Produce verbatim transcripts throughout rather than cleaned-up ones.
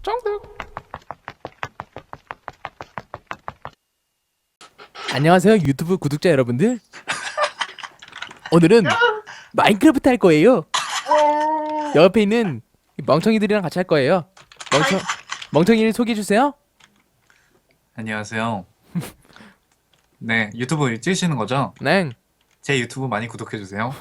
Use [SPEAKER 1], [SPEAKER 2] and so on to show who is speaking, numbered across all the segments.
[SPEAKER 1] 정답. 안녕하세요 유튜브 구독자 여러분들. 오늘은 마인크래프트 할 거예요. 옆에 있는 이 멍청이들이랑 같이 할 거예요. 멍청 멍청이를 소개해 주세요.
[SPEAKER 2] 안녕하세요. 네, 유튜브 찍으시는 거죠?
[SPEAKER 1] 네.
[SPEAKER 2] 제 유튜브 많이 구독해 주세요.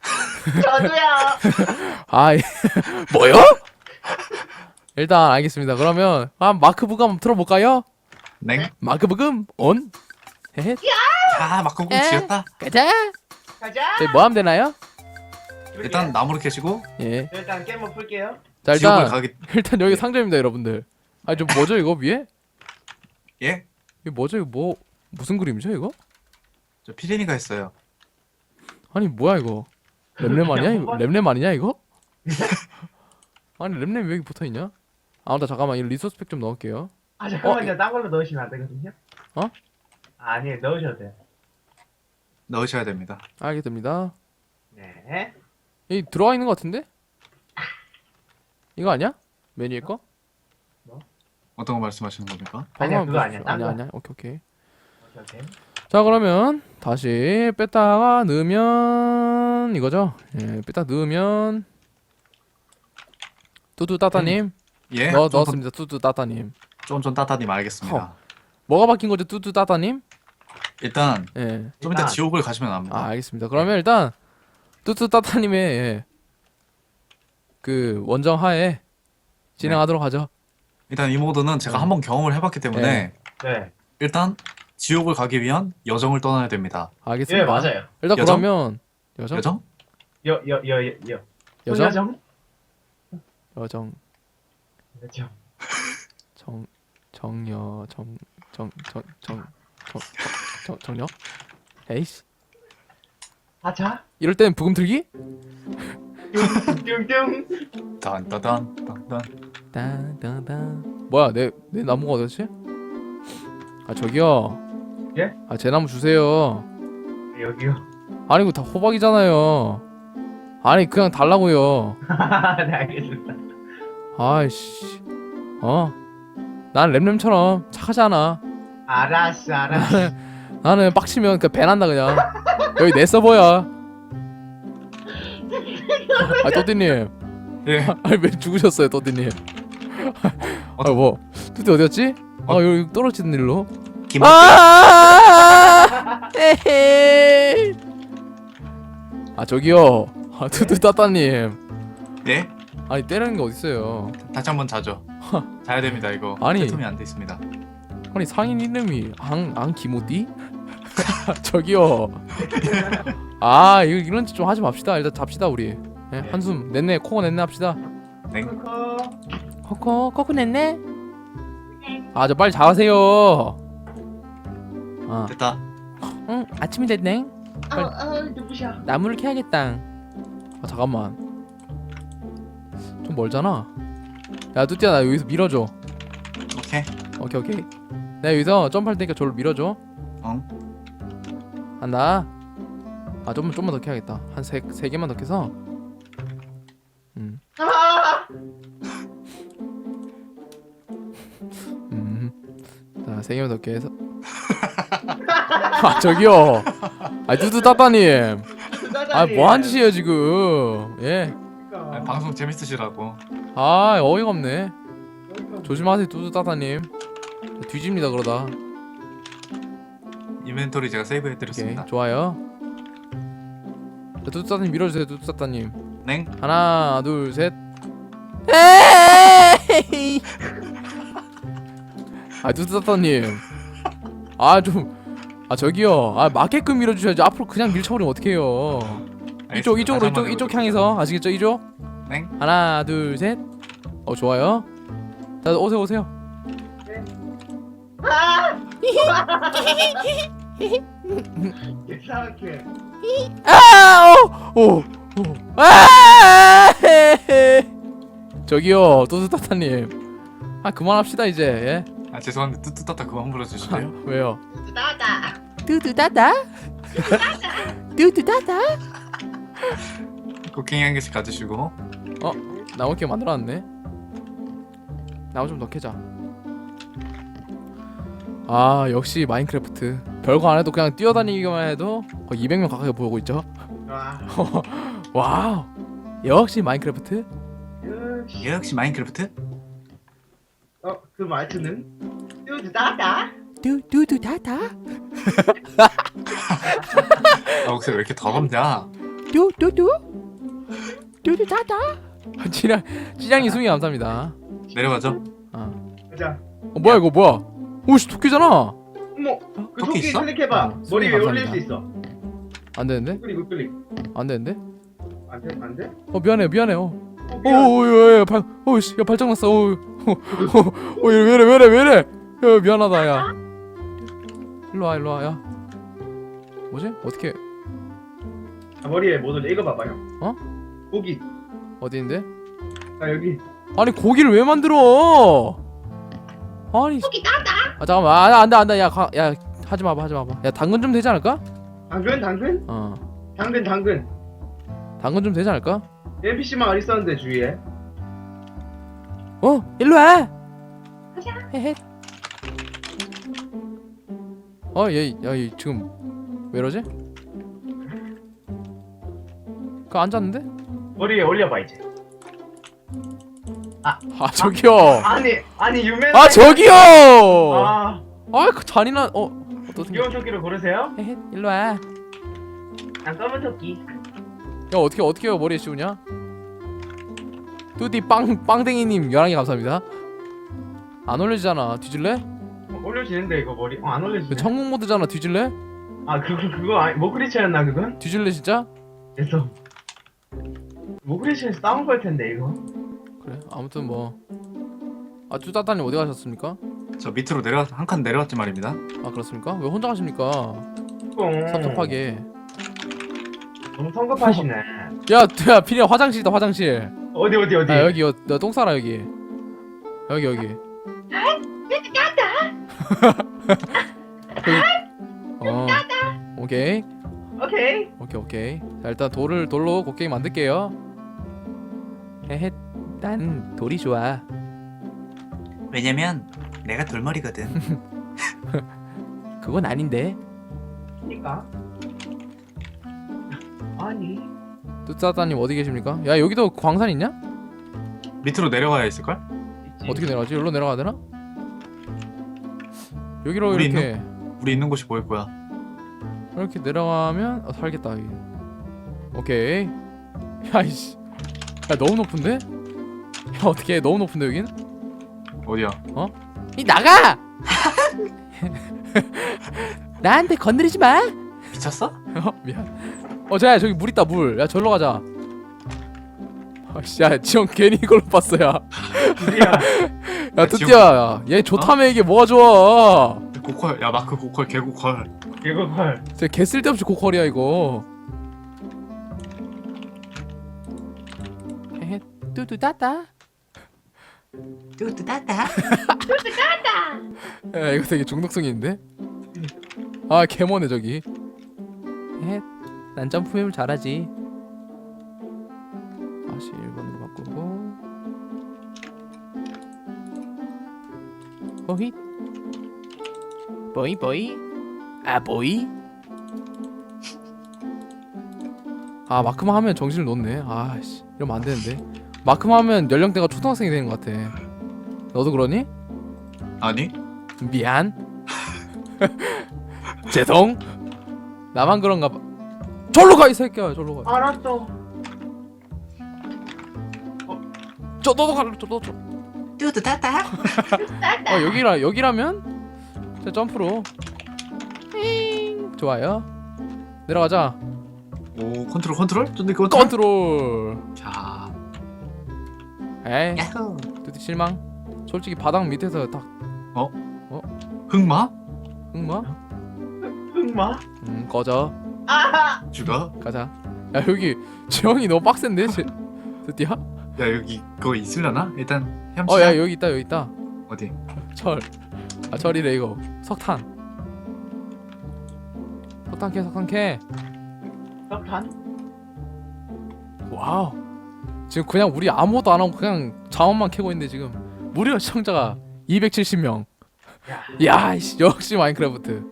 [SPEAKER 3] 저도요.
[SPEAKER 1] 아 뭐요? 일단 알겠습니다. 그러면 한 마크북 한번 틀어볼까요?
[SPEAKER 2] 네.
[SPEAKER 1] 마크북음 온. 헤헤.
[SPEAKER 2] 야, 마크북
[SPEAKER 1] 에?
[SPEAKER 2] 지었다.
[SPEAKER 1] 가자.
[SPEAKER 3] 가자.
[SPEAKER 1] 저희 뭐 하면 되나요?
[SPEAKER 2] 일단 나무를 캐시고
[SPEAKER 1] 예.
[SPEAKER 3] 일단 게임 한번 풀게요.
[SPEAKER 1] 자
[SPEAKER 2] 지옥을
[SPEAKER 1] 일단
[SPEAKER 2] 가기.
[SPEAKER 1] 일단 여기 상점입니다, 여러분들. 아니 좀 뭐죠 이거 위에?
[SPEAKER 2] 예?
[SPEAKER 1] 이거 뭐죠 이거 뭐 무슨 그림이죠 이거?
[SPEAKER 2] 저 피디니가 했어요.
[SPEAKER 1] 아니 뭐야 이거? 램램 아니야 이거? 램램 아니냐 이거? 아니 램램 왜 여기 붙어 있냐? 아무튼 잠깐만 이 리소스 팩 좀 넣을게요.
[SPEAKER 3] 아 잠깐만요.
[SPEAKER 1] 어,
[SPEAKER 3] 딴 걸로 넣으시면 안 되거든요.
[SPEAKER 1] 어?
[SPEAKER 3] 아, 아니 넣으셔도 돼요.
[SPEAKER 2] 넣으셔야 됩니다.
[SPEAKER 1] 알겠습니다.
[SPEAKER 3] 네.
[SPEAKER 1] 이 들어와 있는 것 같은데? 이거 아니야? 메뉴에 거?
[SPEAKER 2] 어떤 거 말씀하시는 겁니까?
[SPEAKER 3] 아니야,
[SPEAKER 1] 방금
[SPEAKER 3] 그거
[SPEAKER 1] 뭐-
[SPEAKER 3] 아니야, 딴
[SPEAKER 1] 아니야
[SPEAKER 3] 거.
[SPEAKER 1] 아니야. 오케이 오케이.
[SPEAKER 3] 오케이 오케이.
[SPEAKER 1] 자 그러면 다시 뺐다가 넣으면 이거죠? 예, 뺐다 넣으면 뚜뚜 따따님
[SPEAKER 2] 예?
[SPEAKER 1] 넣,
[SPEAKER 2] 좀
[SPEAKER 1] 넣었습니다. 뚜뚜 따따님.
[SPEAKER 2] 쫀쫀 따따님 알겠습니다.
[SPEAKER 1] 허. 뭐가 바뀐 거죠, 뚜뚜 따따님?
[SPEAKER 2] 일단
[SPEAKER 1] 예.
[SPEAKER 2] 좀 이따
[SPEAKER 3] 일단-
[SPEAKER 2] 지옥을 가시면 압니다.
[SPEAKER 1] 아 알겠습니다. 그러면 일단 뚜뚜 따따님의 예, 그 원정 하에 진행하도록 하죠.
[SPEAKER 2] 일단 이 모드는 제가
[SPEAKER 1] 음.
[SPEAKER 2] 한번 경험을 해봤기 때문에
[SPEAKER 3] 네.
[SPEAKER 2] 일단 지옥을 가기 위한 여정을 떠나야 됩니다.
[SPEAKER 1] 알겠습니다.
[SPEAKER 3] 예 맞아요.
[SPEAKER 1] 일단
[SPEAKER 2] 여정?
[SPEAKER 1] 그러면 여정
[SPEAKER 2] 여정?
[SPEAKER 3] 여 여 여 여 여.
[SPEAKER 1] 여정
[SPEAKER 3] 여정?
[SPEAKER 1] 여정
[SPEAKER 3] 여정.
[SPEAKER 1] 정 정여 정정정정정 정정 에이씨
[SPEAKER 3] 아차.
[SPEAKER 1] 이럴 땐 부금 틀기?
[SPEAKER 3] 뚱뚱.
[SPEAKER 2] 딴따단 딴딴.
[SPEAKER 1] 딴딴딴 뭐야 내 내 나무가 어디지? 아 저기요.
[SPEAKER 3] 예?
[SPEAKER 1] 아 제 나무 주세요.
[SPEAKER 3] 여기요.
[SPEAKER 1] 아니 이거 다 호박이잖아요. 아니 그냥 달라고요.
[SPEAKER 3] 네 알겠습니다.
[SPEAKER 1] 아이씨 어? 난 램램처럼 착하지 않아.
[SPEAKER 3] 알았어 알았어.
[SPEAKER 1] 나는 빡치면 그 배난다 그냥. 여기 내 서버야. 아 또띠님
[SPEAKER 2] 예.
[SPEAKER 1] 아니 왜 죽으셨어요 또띠님? 아뭐 또띠 어디였지? 아 여기 떨어지는 일로.
[SPEAKER 2] 김.
[SPEAKER 1] 아 에헤이. 아 저기요. 아 투투 따따님.
[SPEAKER 2] 예?
[SPEAKER 1] 아니 때리는 게 어딨어요.
[SPEAKER 2] 다시 한번 자죠. 자야 됩니다 이거.
[SPEAKER 1] 아니.
[SPEAKER 2] 세tum이 안 돼 있습니다.
[SPEAKER 1] 아니 상인 이름이 앙앙 기모띠? 저기요. 아 이거 이런 짓 좀 하지 맙시다. 일단 잡시다 우리. 예, 한숨 냈네 코어 냈네 합시다.
[SPEAKER 2] 네.
[SPEAKER 3] 코코.
[SPEAKER 1] 코코 코코 냈네. 아 저 빨리 자세요. 아,
[SPEAKER 2] 됐다.
[SPEAKER 1] 응 아침이 됐네.
[SPEAKER 3] 어, 어, 누구셔?
[SPEAKER 1] 나무를 캐야겠다. 아 잠깐만. 좀 멀잖아. 야 뚜띠야 나 여기서 밀어줘.
[SPEAKER 2] 오케이.
[SPEAKER 1] 오케이 오케이. 내가 여기서 점프할 테니까 저를 밀어줘.
[SPEAKER 2] 응.
[SPEAKER 1] 한다. 아 좀만 좀만 더 캐야겠다. 한 세 세 개만 더 캐서. 음.
[SPEAKER 3] 아!
[SPEAKER 1] 음. 자, 세 개만 더 깨서. 아, 저기요. 아, 뚜뚜 따따님. 아, 뭐 한 짓이에요, 지금. 예.
[SPEAKER 2] 아니, 방송 재밌으시라고.
[SPEAKER 1] 아, 어이가 없네. 조심하세요, 뚜뚜 따따님. 뒤집니다, 그러다.
[SPEAKER 2] 인벤토리 제가 세이브
[SPEAKER 1] 오케이,
[SPEAKER 2] 해드렸습니다.
[SPEAKER 1] 좋아요. 자, 뚜뚜 따따님 밀어주세요, 뚜뚜 따따님.
[SPEAKER 2] 네.
[SPEAKER 1] 하나, 둘, 셋. 에이! 아, 뚜뚜 따따님. 아, 좀. 아, 저기요. 아, 맞게끔 밀어주셔야지. 앞으로 그냥 밀쳐버리면 어떡해요. 이쪽,
[SPEAKER 2] 알겠습니다.
[SPEAKER 1] 이쪽으로,
[SPEAKER 2] 다시
[SPEAKER 1] 이쪽,
[SPEAKER 2] 한번
[SPEAKER 1] 이쪽
[SPEAKER 2] 해보겠습니다.
[SPEAKER 1] 향해서. 아시겠죠? 이쪽?
[SPEAKER 2] 네.
[SPEAKER 1] 하나, 둘, 셋. 어, 좋아요. 자, 오세요, 오세요.
[SPEAKER 3] 아! 이상하게.
[SPEAKER 1] 아! 오! 오! 오! 아! 저기요, 또스타타님. 아, 그만합시다, 이제. 예?
[SPEAKER 2] 아 죄송한데 뚜뚜따따 그만 불러주실래요?
[SPEAKER 1] 왜요?
[SPEAKER 3] 나다.
[SPEAKER 1] 뚜두다다? 뚜두다다?
[SPEAKER 2] 쿠킹 한 개씩 가지시고.
[SPEAKER 1] 나무캐 만들어놨네. 나무 좀 더 캐자. 아 역시 마인크래프트. 별거 안 해도 그냥 뛰어다니기만 해도 거의 이백 명 가까이 보고 있죠.
[SPEAKER 3] 와.
[SPEAKER 1] 와우. 역시 마인크래프트.
[SPEAKER 3] 역시.
[SPEAKER 2] 역시 마인크래프트?
[SPEAKER 3] 어, 그 말투는 뚜드 따다.
[SPEAKER 1] 뚜뚜뚜 다다.
[SPEAKER 2] 아 목소리 왜 이렇게 더럽냐?
[SPEAKER 1] 뚜뚜뚜. 뚜뚜 다다. 찌량 찌량이 숨이 감사합니다.
[SPEAKER 2] 내려가죠.
[SPEAKER 1] 어.
[SPEAKER 3] 가자.
[SPEAKER 1] 어 뭐야 이거 뭐야? 오씨 토끼잖아.
[SPEAKER 3] 어머, 그
[SPEAKER 2] 토끼
[SPEAKER 3] 토끼
[SPEAKER 2] 있어?
[SPEAKER 3] 클릭해봐.
[SPEAKER 1] 어,
[SPEAKER 3] 머리 위에
[SPEAKER 1] 손이
[SPEAKER 3] 올릴 수
[SPEAKER 1] 감사합니다.
[SPEAKER 3] 있어.
[SPEAKER 1] 안 되는데?
[SPEAKER 3] 클릭, 우클릭.
[SPEAKER 1] 안 되는데?
[SPEAKER 3] 안 돼, 안 돼?
[SPEAKER 1] 어 미안해 미안해. 어.
[SPEAKER 3] 어, 미안.
[SPEAKER 1] 오오야야 발. 오씨 야 발작 났어. 오. 오 왜래 왜래 왜래. 야 미안하다 야. 일로 와 일로 와 야. 뭐지? 어떻게
[SPEAKER 3] 아, 머리에 못 올려. 이거 봐봐요.
[SPEAKER 1] 어?
[SPEAKER 3] 고기.
[SPEAKER 1] 어디 있는데?
[SPEAKER 3] 아, 여기.
[SPEAKER 1] 아니 고기를 왜 만들어? 아니.
[SPEAKER 3] 고기 따다.
[SPEAKER 1] 아 잠깐만 아 안돼 안돼 야, 가, 야 하지 마봐 하지 마봐. 야 당근 좀 되지 않을까?
[SPEAKER 3] 당근, 당근?
[SPEAKER 1] 어
[SPEAKER 3] 당근, 당근.
[SPEAKER 1] 당근 좀 되지 않을까?
[SPEAKER 3] 엔피씨만 어디 있었는데, 주위에.
[SPEAKER 1] 어 일로 와.
[SPEAKER 3] 가자.
[SPEAKER 1] 헤헤. 어얘야얘 지금 왜 이러지? 그거 앉았는데?
[SPEAKER 3] 머리 위에 올려봐, 이제.
[SPEAKER 1] 아 저기요.
[SPEAKER 3] 아니, 아니, 유명.
[SPEAKER 1] 아 저기요.
[SPEAKER 3] 아,
[SPEAKER 1] 아그 잔인한 어 어떤
[SPEAKER 3] 귀여운 토끼를 고르세요?
[SPEAKER 1] 헤헤 일로 와. 야
[SPEAKER 3] 난 검은 토끼.
[SPEAKER 1] 어떻게 어떻게 머리에 씌우냐? 뚜디 빵 빵댕이님 열한 개 감사합니다. 안 올려지잖아. 뒤질래?
[SPEAKER 3] 어, 올려지는데, 이거 머리. 어, 안
[SPEAKER 1] 그
[SPEAKER 3] 올려지네.
[SPEAKER 1] 천국 모드잖아. 뒤질래?
[SPEAKER 3] 아, 그거, 그거, 아니, 모크리치였나, 그건?
[SPEAKER 1] 뒤질래 진짜?
[SPEAKER 3] 됐어. 모크리치에서 싸운 걸 텐데, 이거.
[SPEAKER 1] 그래 아무튼 뭐. 아 뚜따따님 어디 가셨습니까?
[SPEAKER 2] 저 밑으로 내려 한 칸 내려왔지 말입니다.
[SPEAKER 1] 아 그렇습니까? 왜 혼자 가십니까?
[SPEAKER 3] 똥.
[SPEAKER 1] 섭섭하게.
[SPEAKER 3] 너무 성급하시네.
[SPEAKER 1] 야, 야, 피리야 화장실이다 화장실.
[SPEAKER 3] 어디, 어디, 어디?
[SPEAKER 1] 아 여기 여, 너똥 싸라 여기. 여기 여기. 여기. 어. 오케이.
[SPEAKER 3] 오케이.
[SPEAKER 1] 오케이 오케이. 자 일단 돌을 돌로 곡괭이 만들게요. 헤헤. 난 돌이 좋아.
[SPEAKER 2] 왜냐면 내가 돌머리거든.
[SPEAKER 1] 그건 아닌데.
[SPEAKER 3] 그니까. 아니.
[SPEAKER 1] 뚜따따님 어디 계십니까? 야 여기도 광산 있냐?
[SPEAKER 2] 밑으로 내려가야 있을걸?
[SPEAKER 3] 있지.
[SPEAKER 1] 어떻게 내려가지? 여기로 내려가야 되나? 여기로
[SPEAKER 2] 우리
[SPEAKER 1] 이렇게
[SPEAKER 2] 우리 있는 곳이 보일 거야.
[SPEAKER 1] 이렇게 내려가면 어, 살겠다 여기. 오케이. 야이씨. 야 너무 높은데? 야 어떻게 너무 높은데 여긴?
[SPEAKER 2] 어디야?
[SPEAKER 1] 이 나가! 나한테 건드리지 마.
[SPEAKER 2] 미쳤어?
[SPEAKER 1] 어 미안. 어 자야 저기 물 있다 물. 야 절로 가자. 아씨 야 지영 괜히 이걸로 봤어 야.
[SPEAKER 3] 드디어.
[SPEAKER 1] 야 뚜띠야 얘 좋다며 이게 뭐가 좋아.
[SPEAKER 2] 고퀄 야 마크 고퀄 개고퀄.
[SPEAKER 3] 이거 헐.
[SPEAKER 1] 진짜 개 쓸데없이 고퀄이야 이거. 헤헤 뚜뚜따따.
[SPEAKER 2] 뚜뚜따따.
[SPEAKER 1] 야 이거 되게 중독성이 있는데? 아 개머네 저기. 헤헤 난 점프맵을 잘하지. 다시 일 번으로 바꾸고 보이 보이 보이 아 보이. 아 마크만 하면 정신을 놓네. 아씨 이러면 안 되는데. 마크만 하면 연령대가 초등학생이 되는 것 같아. 너도 그러니?
[SPEAKER 2] 아니?
[SPEAKER 1] 미안. 죄송. 나만 그런가 봐. 절로 가 이 새끼야. 절로 가.
[SPEAKER 3] 알았어.
[SPEAKER 1] 저 너도 가. 저 너도.
[SPEAKER 2] 뚜뚜따따.
[SPEAKER 1] 어 여기라 여기라면 자 점프로. 잉. 좋아요. 내려가자.
[SPEAKER 2] 오 컨트롤 컨트롤? 근데 그거
[SPEAKER 1] 컨트롤.
[SPEAKER 2] 자.
[SPEAKER 1] 에이.
[SPEAKER 2] 야호.
[SPEAKER 1] 드디 실망. 솔직히 바닥 밑에서 딱
[SPEAKER 2] 흑마?
[SPEAKER 1] 흑마?
[SPEAKER 3] 흑마?
[SPEAKER 1] 음 꺼져.
[SPEAKER 3] 아하.
[SPEAKER 2] 죽어?
[SPEAKER 1] 가자. 야 여기 지형이 너무 빡센데 제 드디야?
[SPEAKER 2] 야 여기 그거 있으려나? 일단 헤엄치자.
[SPEAKER 1] 어야 여기 있다 여기 있다.
[SPEAKER 2] 어디?
[SPEAKER 1] 철. 아 철이래 이거. 석탄. 석탄 캐 석탄 캐.
[SPEAKER 3] 석탄?
[SPEAKER 1] 와우. 지금 그냥 우리 아무것도 안 하고 그냥 자원만 캐고 있는데 지금 무려 시청자가 이백칠십 명.
[SPEAKER 3] 야.
[SPEAKER 1] 야, 이씨, 역시 마인크래프트.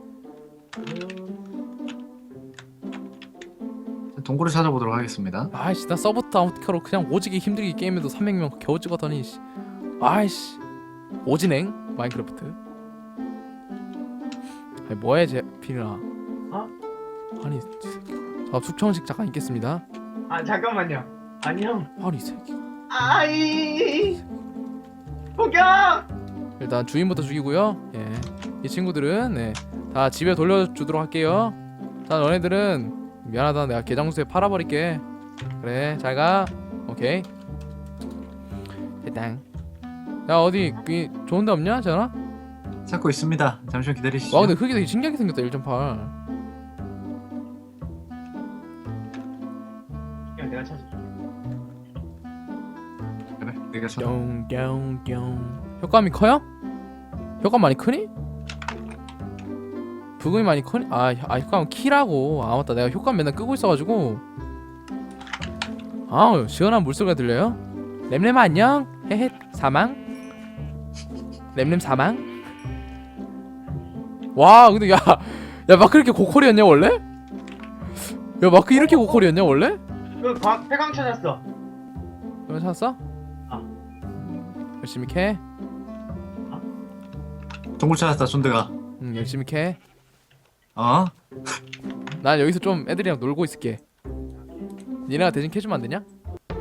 [SPEAKER 2] 동굴을 찾아보도록 하겠습니다.
[SPEAKER 1] 아이씨, 나 서브 다운캐로 그냥 오지게 힘들게 게임해도 삼백 명 겨우 찍었더니 씨. 아이씨, 오진행 마인크래프트. 아니 뭐해 제필이나.
[SPEAKER 3] 어?
[SPEAKER 1] 아니, 자 숙청식 잠깐 있겠습니다.
[SPEAKER 3] 아 잠깐만요. 아니 형.
[SPEAKER 1] 아니 이 새끼.
[SPEAKER 3] 아이. 폭격.
[SPEAKER 1] 일단 주인부터 죽이고요. 예, 이 친구들은 네, 다 집에 돌려주도록 할게요. 자, 너네들은 미안하다, 내가 개장수에 팔아버릴게. 그래, 잘가. 오케이. 됐당. 야, 어디 그 좋은데 없냐, 전화?
[SPEAKER 2] 찾고 있습니다. 잠시만 기다리시죠.
[SPEAKER 1] 와, 근데 흙이 되게 신기하게 생겼다. 일 점 팔.
[SPEAKER 3] 형 내가 찾아줄게.
[SPEAKER 2] 그래, 내가 찾아.
[SPEAKER 1] 뿅뿅뿅. 효과음이 커요? 효과음 많이 크니? 부금이 많이 크니? 아, 아 효과음 키라고. 아 맞다, 내가 효과음 맨날 끄고 있어가지고. 아우, 시원한 물소리가 들려요? 램램 안녕? 헤헤. 사망? 램램 사망? 와, 근데 야, 야 마크 이렇게 고퀄이었냐 원래? 야 마크 이렇게 고퀄이었냐 원래?
[SPEAKER 3] 그 과- 폐광 찾았어.
[SPEAKER 1] 이거 찾았어?
[SPEAKER 3] 아.
[SPEAKER 1] 열심히 캐.
[SPEAKER 2] 동굴 찾았다. 존드가.
[SPEAKER 1] 응, 열심히 캐.
[SPEAKER 2] 어?
[SPEAKER 1] 난 여기서 좀 애들이랑 놀고 있을게. 니네가 대신 캐주면 안 되냐?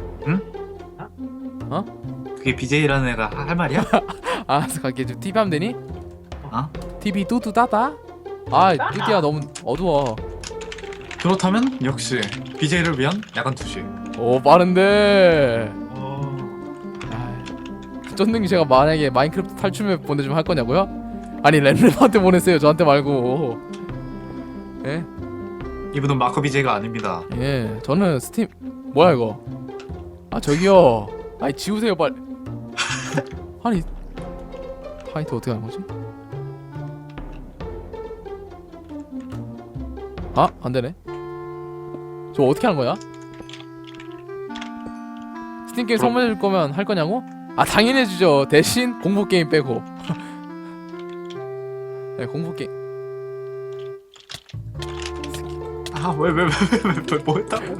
[SPEAKER 2] 그게 비제이라는 애가 하- 할 말이야?
[SPEAKER 1] 알았어, 갈게. 좀 티비 하면 되니?
[SPEAKER 2] 어?
[SPEAKER 1] 티비 뚜뚜 따다. 아, 뚜띠야 너무 어두워.
[SPEAKER 2] 그렇다면 역시 비제이를 위한 야간 투시.
[SPEAKER 1] 오, 빠른데.
[SPEAKER 3] 어.
[SPEAKER 1] 아, 쫀득이 제가 만약에 마인크래프트 탈출맵 보내주면 할 거냐고요? 아니 랜램한테 보냈어요, 저한테 말고. 예?
[SPEAKER 2] 이분은 마커 비제이가 아닙니다.
[SPEAKER 1] 예, 저는 스팀 뭐야 이거? 아 저기요. 아니 지우세요 빨리. 아니 타이트 어떻게 하는 거지? 아, 안 되네. 저 어떻게 하는 거야? 스팀 게임 선물해 줄 거면 할 거냐고? 아, 당연히 해주죠. 대신 공포 게임 빼고. 네, 공포 게임.
[SPEAKER 2] 아, 왜 왜 왜 왜 뭐 했다고?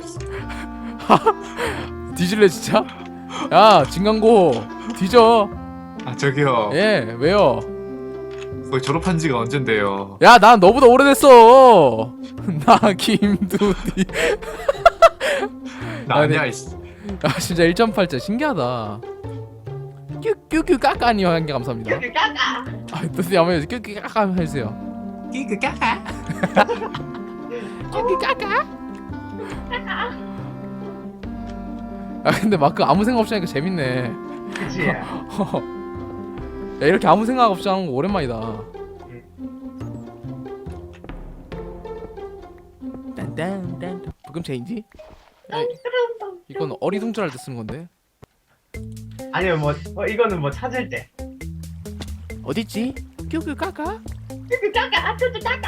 [SPEAKER 1] 뒤질래 진짜? 야, 진강고 뒤져.
[SPEAKER 2] 아, 저기요.
[SPEAKER 1] 예, 왜요?
[SPEAKER 2] 거의 졸업한 지가 언젠데요.
[SPEAKER 1] 야, 난 너보다 오래됐어. 나 김두디.
[SPEAKER 2] 나
[SPEAKER 1] 아니,
[SPEAKER 2] 아니야. 이씨.
[SPEAKER 1] 아, 진짜 일 점 팔 자 신기하다. 뀨뀨뀨 까까니요 한 개 감사합니다.
[SPEAKER 3] 여기 까까.
[SPEAKER 1] 아, 두디 한번 뀨뀨 까까 해주세요.
[SPEAKER 2] 끼그 까까.
[SPEAKER 1] 뀨뀨 까까. 아, 근데 마크 아무 생각 없이 하니까 재밌네.
[SPEAKER 3] 그치.
[SPEAKER 1] 야, 이렇게 아무 생각 없이 하는 거 오랜만이다. 딴딴딴 부금 체인지? 야, 이건 어리둥절할 때 쓰는 건데.
[SPEAKER 3] 아니면 뭐 어, 이거는 뭐 찾을 때.
[SPEAKER 1] 어딨지? 뀨뀨 까까?
[SPEAKER 3] 여기 까까. 뚜뚜 까까.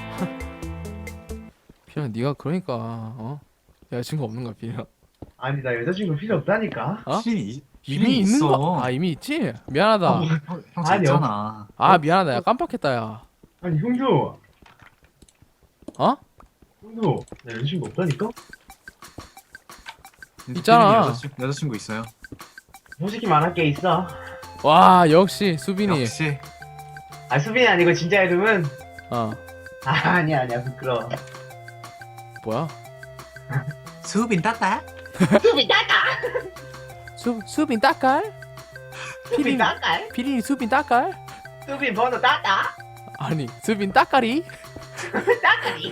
[SPEAKER 1] 피야, 네가 그러니까 어? 여자친구 없는 거야, 피야.
[SPEAKER 3] 아니 나 여자친구 필요 없다니까.
[SPEAKER 1] 어?
[SPEAKER 2] 이미
[SPEAKER 1] 이미 있는 거? 아, 이미 있지? 미안하다.
[SPEAKER 3] 어,
[SPEAKER 2] 형, 형
[SPEAKER 3] 아니요.
[SPEAKER 2] 있잖아.
[SPEAKER 1] 아, 미안하다. 야, 깜빡했다, 야.
[SPEAKER 3] 아니 형도.
[SPEAKER 1] 어?
[SPEAKER 3] 형도 나 여자친구 없다니까.
[SPEAKER 1] 있잖아.
[SPEAKER 2] 여자친구, 여자친구 있어요.
[SPEAKER 3] 솔직히 말할 게 있어.
[SPEAKER 1] 와, 역시 수빈이.
[SPEAKER 2] 역시.
[SPEAKER 3] 아 수빈이 아니고 진짜 이름은.
[SPEAKER 1] 어,
[SPEAKER 3] 아 아니야 아니야 부끄러워.
[SPEAKER 1] 뭐야?
[SPEAKER 2] 수빈 따따.
[SPEAKER 3] 수빈 까까.
[SPEAKER 1] 수 수빈 따깔?
[SPEAKER 3] 수빈
[SPEAKER 1] 피린
[SPEAKER 3] 까까.
[SPEAKER 1] 피린이 수빈 따깔?
[SPEAKER 3] 수빈 번호 따따.
[SPEAKER 1] 아니, 수빈 따까리?
[SPEAKER 3] 따까리.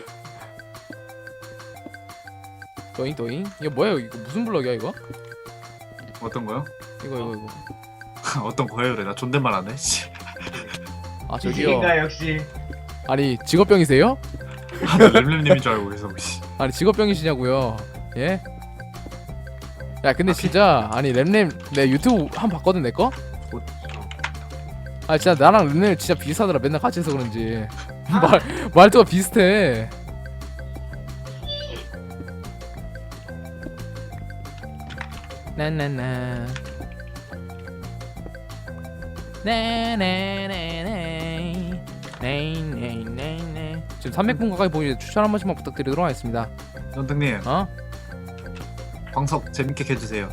[SPEAKER 1] 도잉 도잉. 이거 뭐야? 이거 무슨 블럭이야 이거?
[SPEAKER 2] 어떤 거요?
[SPEAKER 1] 이거 이거 이거.
[SPEAKER 2] 어떤 거예요? 그래 나 존댓말 안 해. 씨.
[SPEAKER 1] 아, 저기요.
[SPEAKER 3] 이인가 역시.
[SPEAKER 1] 아니, 직업병이세요?
[SPEAKER 2] 아, 나 램램님인 줄 알고 계속. 씨.
[SPEAKER 1] 아니, 직업병이시냐고요? 예? 야, 근데 진짜 아니 램램 내 유튜브 한 번 봤거든 내 거? 아, 진짜 나랑 램램 진짜 비슷하더라. 맨날 같이 해서 그런지 말 말투가 비슷해. 나나나 네네네네 네네네네. 지금 삼백 분 가까이 보이는데 추천 한 번씩만 부탁드리도록 하겠습니다.
[SPEAKER 2] 연등님
[SPEAKER 1] 어?
[SPEAKER 2] 방석 재밌게 해주세요.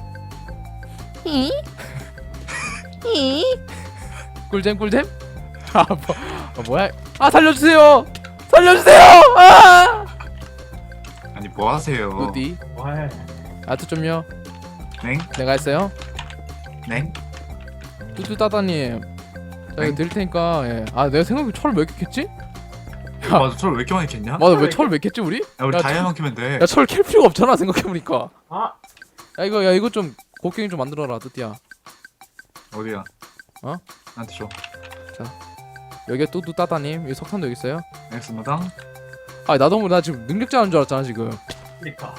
[SPEAKER 1] 꿀잼 꿀잼? 아, 뭐, 아 뭐야? 아 살려주세요! 살려주세요! 아!
[SPEAKER 2] 아니 뭐 하세요?
[SPEAKER 1] 어디?
[SPEAKER 3] 와.
[SPEAKER 1] 아트 좀요.
[SPEAKER 2] 냉?
[SPEAKER 1] 내가 했어요.
[SPEAKER 2] 냉?
[SPEAKER 1] 뚜뚜 따다님. 자 이거
[SPEAKER 2] 응?
[SPEAKER 1] 드릴 테니까. 예. 아 내가 생각해 철을 몇 개 캤지?
[SPEAKER 2] 맞아 철 왜 이렇게 많이 캤냐?
[SPEAKER 1] 맞아 왜 철을 몇 개 캤지 우리?
[SPEAKER 2] 야 우리
[SPEAKER 1] 야,
[SPEAKER 2] 다이아만 캐면 돼.
[SPEAKER 1] 야 철 캘 필요가 없잖아 생각해보니까.
[SPEAKER 3] 아,
[SPEAKER 1] 야 이거 야 이거 좀 곡괭이 좀 만들어라 뚜띠야.
[SPEAKER 2] 어디야?
[SPEAKER 1] 어?
[SPEAKER 2] 나한테 줘.
[SPEAKER 1] 여기에 뚜뚜 따다님. 여기 석탄도 여기 있어요.
[SPEAKER 2] 알겠습니다.
[SPEAKER 1] 아 나도 모르 나 지금 능력자인 줄 알았잖아 지금.
[SPEAKER 3] 그니까.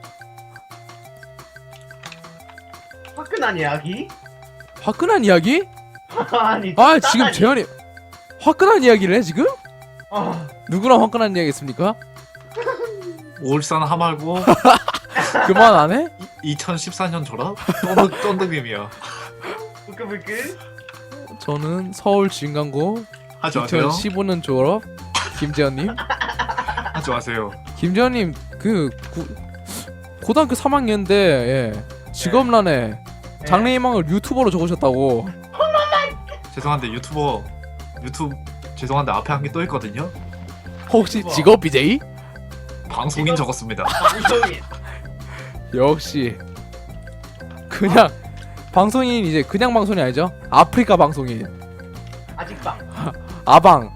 [SPEAKER 3] 화끈한 이야기?
[SPEAKER 1] 화끈한 이야기?
[SPEAKER 3] 아니.
[SPEAKER 1] 아
[SPEAKER 3] 따다니.
[SPEAKER 1] 지금 재현이 화끈한 이야기를 해 지금?
[SPEAKER 3] 어.
[SPEAKER 1] 누구랑 화끈한 이야기 했습니까?
[SPEAKER 2] 올산 하말고
[SPEAKER 1] 그만 안 해?
[SPEAKER 2] 이천십사 년 졸업? 쫀득 쫀득님이야.
[SPEAKER 3] 부끄부끄.
[SPEAKER 1] 저는 서울 진강고
[SPEAKER 2] 하지 마세요.
[SPEAKER 1] 이천십오 년 졸업 김재현님.
[SPEAKER 2] 하지 마세요.
[SPEAKER 1] 김재현님 그 구, 고등학교 삼 학년인데 예. 직업란에
[SPEAKER 3] 네.
[SPEAKER 1] 장래희망을 유튜버로 적으셨다고.
[SPEAKER 2] 죄송한데 유튜버 유튜브 죄송한데 앞에 한 개 또 있거든요.
[SPEAKER 1] 혹시
[SPEAKER 3] 유튜버.
[SPEAKER 1] 직업 비제이?
[SPEAKER 2] 방송인
[SPEAKER 3] 이거-
[SPEAKER 2] 적었습니다.
[SPEAKER 3] 방송인.
[SPEAKER 1] 역시 그냥 방송인 이제 그냥 방송이 아니죠? 아프리카 방송인
[SPEAKER 3] 아직도.
[SPEAKER 1] 아방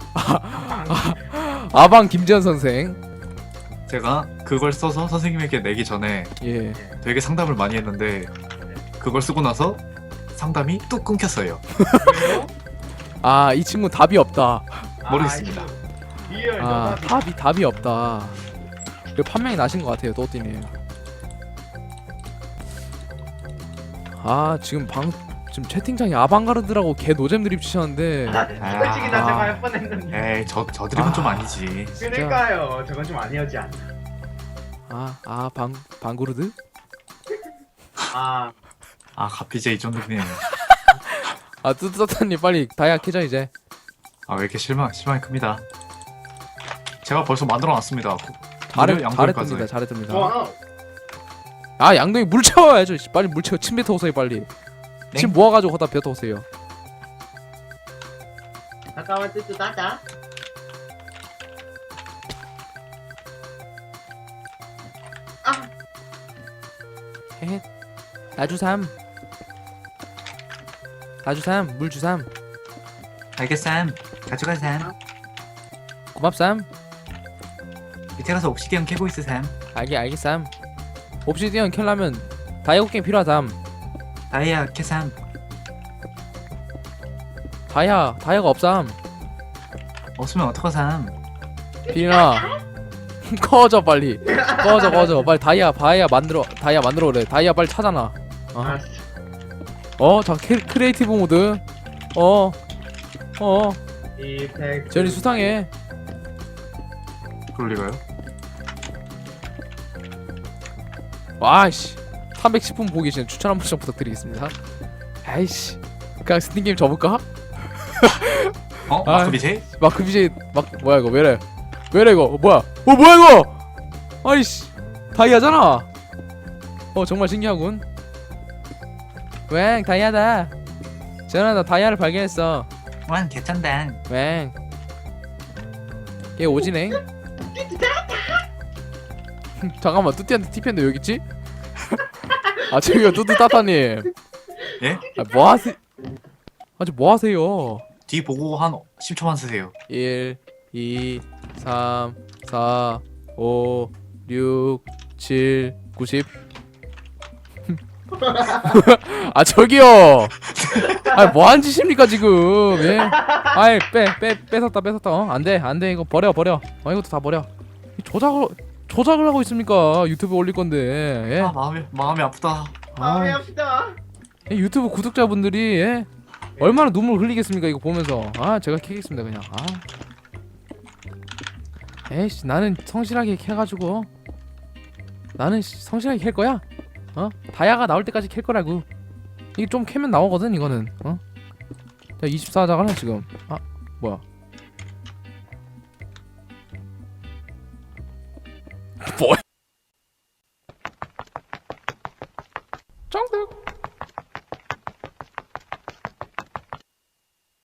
[SPEAKER 1] 아방 김재현 선생.
[SPEAKER 2] 제가 그걸 써서 선생님에게 내기 전에
[SPEAKER 1] 예.
[SPEAKER 2] 되게 상담을 많이 했는데 그걸 쓰고 나서 상담이 뚝 끊겼어요.
[SPEAKER 3] 왜요?
[SPEAKER 1] 아 이 친구 답이 없다.
[SPEAKER 2] 모르겠습니다.
[SPEAKER 3] 아, 리얼
[SPEAKER 1] 아
[SPEAKER 3] 너답이.
[SPEAKER 1] 답이 답이 없다. 그 판명이 나신 것 같아요 또띠님. 아 지금 방 지금 채팅창에 아방가르드라고 개 노잼 드립 치셨는데.
[SPEAKER 3] 아, 솔직히 나
[SPEAKER 1] 아.
[SPEAKER 3] 저거 할 뻔했는데.
[SPEAKER 2] 에이 저 저드립은
[SPEAKER 1] 아.
[SPEAKER 2] 좀 아니지.
[SPEAKER 3] 그러니까요. 저건 좀 아니었지 않나.
[SPEAKER 1] 아아방 방구르드?
[SPEAKER 3] 아,
[SPEAKER 2] 아 가피제 이쫀득님.
[SPEAKER 1] 아 뚜뚜따님 빨리 다이아 캐자 이제.
[SPEAKER 2] 아 왜 이렇게 실망 실망이 큽니다. 제가 벌써 만들어놨습니다.
[SPEAKER 1] 잘해
[SPEAKER 2] 양보까지.
[SPEAKER 1] 잘했습니다 잘했습니다.
[SPEAKER 3] 좋아.
[SPEAKER 1] 아 양동이 물 채워야죠. 씨, 빨리 물 채워. 침 뱉어 오세요 빨리.
[SPEAKER 2] 네?
[SPEAKER 1] 침 모아가지고 거다 뱉어 오세요.
[SPEAKER 3] 잠깐만 뜨뜻 따자. 아,
[SPEAKER 1] 헤헤. 나주삼. 나주삼 물 주삼.
[SPEAKER 2] 알겠삼. 가져가삼.
[SPEAKER 1] 고맙삼.
[SPEAKER 2] 밑에 가서 옥시디언 캐고 있으삼.
[SPEAKER 1] 알게 알겠삼. 옵시디언 캘라면 다이아 게임 필요하담.
[SPEAKER 2] 다이아 캐삼.
[SPEAKER 1] 다이아 다이아가 없삼.
[SPEAKER 2] 없으면 어떡하삼.
[SPEAKER 1] 비나 꺼져 빨리. 꺼져 꺼져 빨리 다이아 다이아 만들어 다이아 만들어 그래. 다이아 빨리 찾아놔. 어?
[SPEAKER 3] 알았어.
[SPEAKER 1] 어, 자 캐, 크리에이티브 모드. 어, 어,
[SPEAKER 3] 이펙트.
[SPEAKER 1] 제리 수상해.
[SPEAKER 2] 그럴 리가요?
[SPEAKER 1] 와씨, 삼백십 분 보고 계시는 추천 한 번씩 부탁드리겠습니다. 아이씨, 그냥 스팀 게임 접을까?
[SPEAKER 2] 어?
[SPEAKER 1] 아.
[SPEAKER 2] 마크 비제?
[SPEAKER 1] 마크 비제이 막 뭐야 이거 왜래? 왜래 이거? 어, 뭐야? 어 뭐야 이거? 아이씨, 다이아잖아. 어 정말 신기하군. 웽 다이아다. 전화 나 다이아를 발견했어.
[SPEAKER 2] 완 개쩐당.
[SPEAKER 1] 웽. 얘 오지네. 잠깐만 뚜띠한테 티피했는데 왜 여기 있지? 아 저기요 뚜뚜 따따님.
[SPEAKER 2] 예?
[SPEAKER 1] 아 뭐하세? 아저 뭐하세요?
[SPEAKER 2] 뒤 보고 한 십 초만 쓰세요.
[SPEAKER 1] 일, 이, 삼, 사, 오, 육, 칠, 구십. 아 저기요. 아 뭐하는 짓입니까 지금? 예? 아이 빼빼 뺏었다 뺏었다. 어? 안돼 안돼 이거 버려 버려. 어 이것도 다 버려. 이 조작을 조작을 하고 있습니까? 유튜브에 올릴 건데. 예?
[SPEAKER 2] 아 마음이 마음이 아프다.
[SPEAKER 3] 마음이
[SPEAKER 1] 아,
[SPEAKER 3] 아프다.
[SPEAKER 1] 이 유튜브 구독자분들이 예? 얼마나 눈물 흘리겠습니까 이거 보면서. 아 제가 캐겠습니다 그냥. 아. 에이씨 나는 성실하게 캐가지고 나는 씨, 성실하게 캘 거야. 어? 다이아가 나올 때까지 캘 거라고. 이게 좀 캐면 나오거든 이거는. 어? 야 이십사 하자가네 지금. 아 뭐야? 뭐? 정답.